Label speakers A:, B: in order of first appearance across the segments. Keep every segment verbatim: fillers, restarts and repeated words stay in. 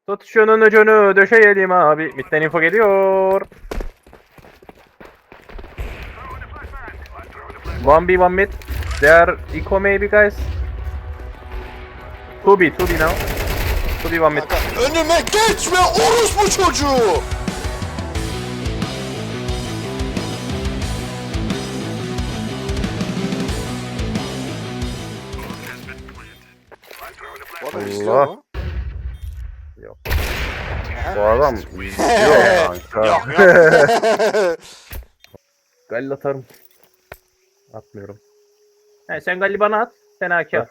A: Tut şunun ucunu döşeyelim abi. Midden info geliyor. one B one mid. They are eco maybe guys. two B two B now. two B one mid.
B: Kanka önüme geçme orospu çocuğu. Bu adam izliyor
A: Allah.
B: mu?
A: Yok.
B: Aha.
A: Bu adam izliyor kanka.
B: Yok yok.
A: Galil atarım. Atmıyorum. He, sen Galil bana at. Sen A K at.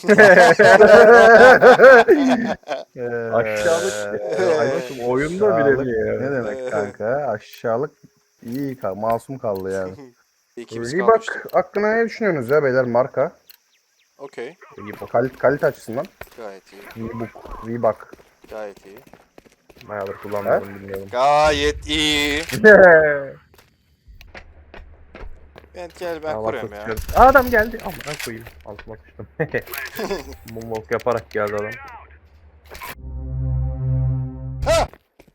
C: Aşağılık.
A: Aybaşım oyunda bile
C: Aşağılık
A: mi ya?
C: Ne demek kanka? Aşağılık iyi kal, masum kaldı yani.
B: İkimiz
C: Reebok
B: kalmıştık.
C: hakkında ne düşünüyorsunuz ya beyler marka?
B: Okey.
C: Kal kalite açısından.
B: Gayet iyi.
C: Reebok, Reebok.
B: Gayet iyi.
A: Bayağıdır kullanmadım bilmiyorum.
B: Gayet iyi. Ben gel ben
A: Aa,
B: kuruyorum
A: bak,
B: ya.
A: çıkıyor. Aa, adam geldi. Aman koyayım. Altıma sıçtım. Moonwalk yaparak geldi adam.
B: Ha!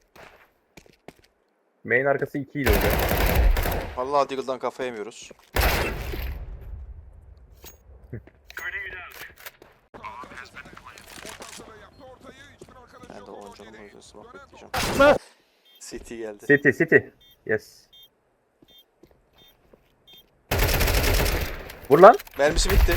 A: Main arkası iki ile hocam.
B: Vallahi Deagle'dan kafa yemiyoruz. Ben de on canım o yüzden smoke bekleyeceğim. City geldi.
A: City City. Yes. Vur lan.
B: Mermisi bitti.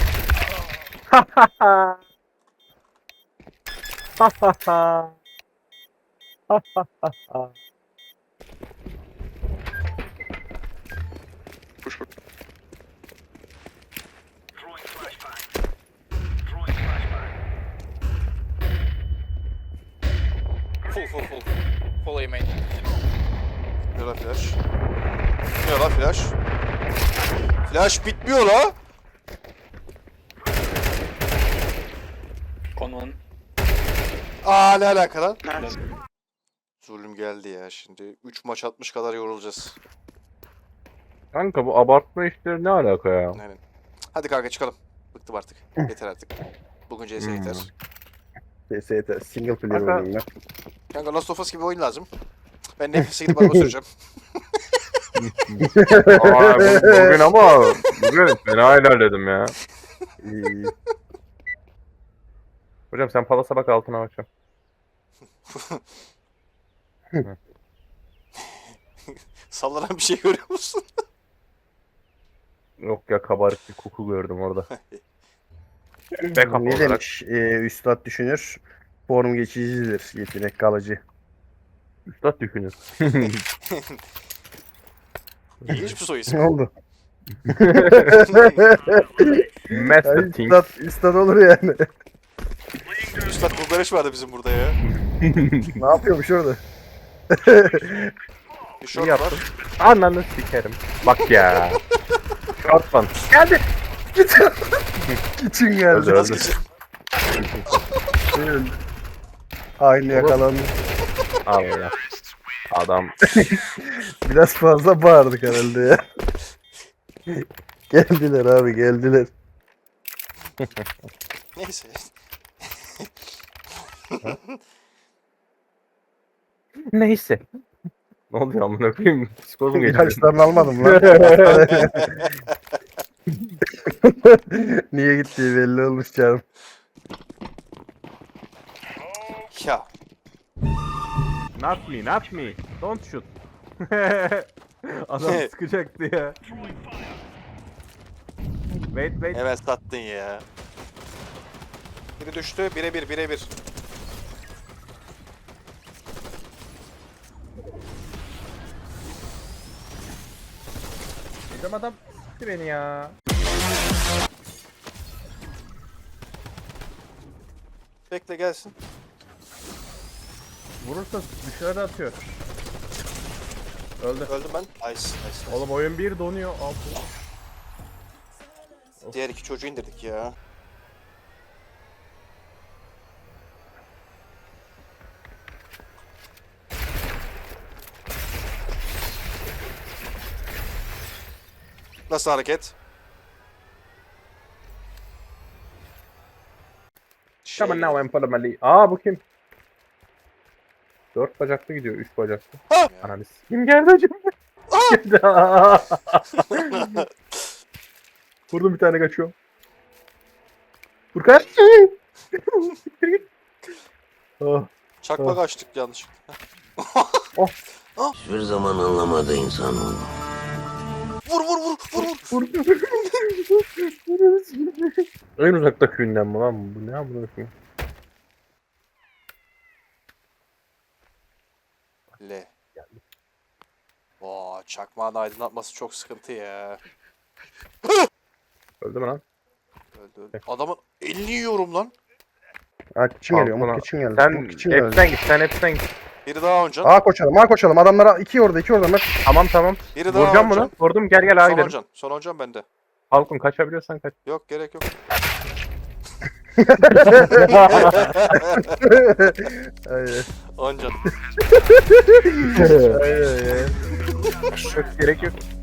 D: Full, full, full. Full A main.
B: Ne la flash? Ne la flash? Flash bitmiyor la.
D: Con one.
B: Aa ne alaka lan? Zulüm geldi ya şimdi. üç maç atmış kadar yorulacağız.
A: Kanka bu abartma işleri ne alaka ya?
B: Aynen. Hadi kanka çıkalım. Bıktım artık. Yeter artık. Bugün C S yeter.
C: S S T single player
A: Kanka-
C: oynayayım ben.
B: Kanka Last of Us gibi oyun lazım. Ben nefese gidip araba süreceğim.
A: Aa, bu- bugün ama bugün fena ilerledim ya.
C: İyi, iyi.
A: Hocam sen palasa bak altına bakacağım.
B: Sallanan bir şey görüyor musun?
A: Yok ya, kabarık bir koku gördüm orada. Backup
C: Ne
A: olarak.
C: demiş e, Üstad düşünür? Form geçicidir, yetenek kalıcı.
A: Üstad düşünür.
B: İlginç bir soy isim.
C: Ne oldu?
A: Master
C: Ay,
A: Think.
C: Üstad, Üstad olur yani.
B: Üstad Bulgareş vardı bizim burada ya.
C: Ne yapıyormuş orada?
B: Bir short
A: İyi
B: var.
A: yaptın. Ananı sikerim. Bak ya. Short one. Geldi.
C: Git. Gitsin
A: Öldü,
C: geldi.
A: öldü.
B: Vazgeçin.
C: Öldü. Aynı yakalandı.
A: Allah. Adam.
C: Biraz fazla bağırdık herhalde ya. Geldiler abi geldiler.
B: Neyse.
A: Neyse. Ne oluyor amına koyayım? Psikolojim geçti.
C: İlaçlarını almadım lan. Niye gittiği belli olmuş canım.
B: Ya.
A: Not me, not me. Don't shoot. Adam sıkacaktı ya. Wait, wait.
B: Hemen sattın ya. Biri düştü. Bire bir. Bire bir.
A: Hocam adam sıktı beni ya.
B: Bekle gelsin.
A: Vurursa dışarı atıyor. Öldü.
B: Öldüm ben. Nice. Nice. nice.
A: Oğlum oyun bir donuyor. Altı.
B: Diğer iki çocuğu indirdik ya. Nasıl hareket? Şey
A: Come on
B: geldi.
A: now and follow my lead. Aa, bu kim? Dört bacaklı gidiyor. Üç bacaklı.
B: Ha!
A: Ananı kim geldi acaba? Geldi. Vurdum bir tane kaçıyor. Furkan. oh.
B: Çakmak
A: Oh.
B: açtık yanlışlıkla.
E: Hiçbir zaman anlamadı insanoğlu.
B: Vur vur vur vur vur.
A: Vurdum. En uzakta köyünden mi lan bu? Ne yapıyor?
B: L. Oo, çakmağın aydınlatması çok sıkıntı ya.
A: Öldü mü lan?
B: Öldü öldü. Adamın elini yiyorum lan.
C: Ha kim geliyor?
A: Altına-
C: Umut kim geldi?
A: Sen
C: Umut kim geldi?
A: hepsinden git. Sen hepsinden git.
B: Biri daha oncan.
C: A koşalım, A koşalım. Adamlara iki orada, iki orada. Mert.
A: Tamam tamam.
B: Biri daha
A: Vuracağım
B: oncan.
A: bunu. Vurdum. Gel gel ağa
B: Son
A: gidelim.
B: oncan. Son oncan bende.
A: Halkun kaçabiliyorsan kaç.
B: Yok gerek yok.
C: Ay,
B: Oncan.
C: ay, ay, ay.
A: Çok gerek yok.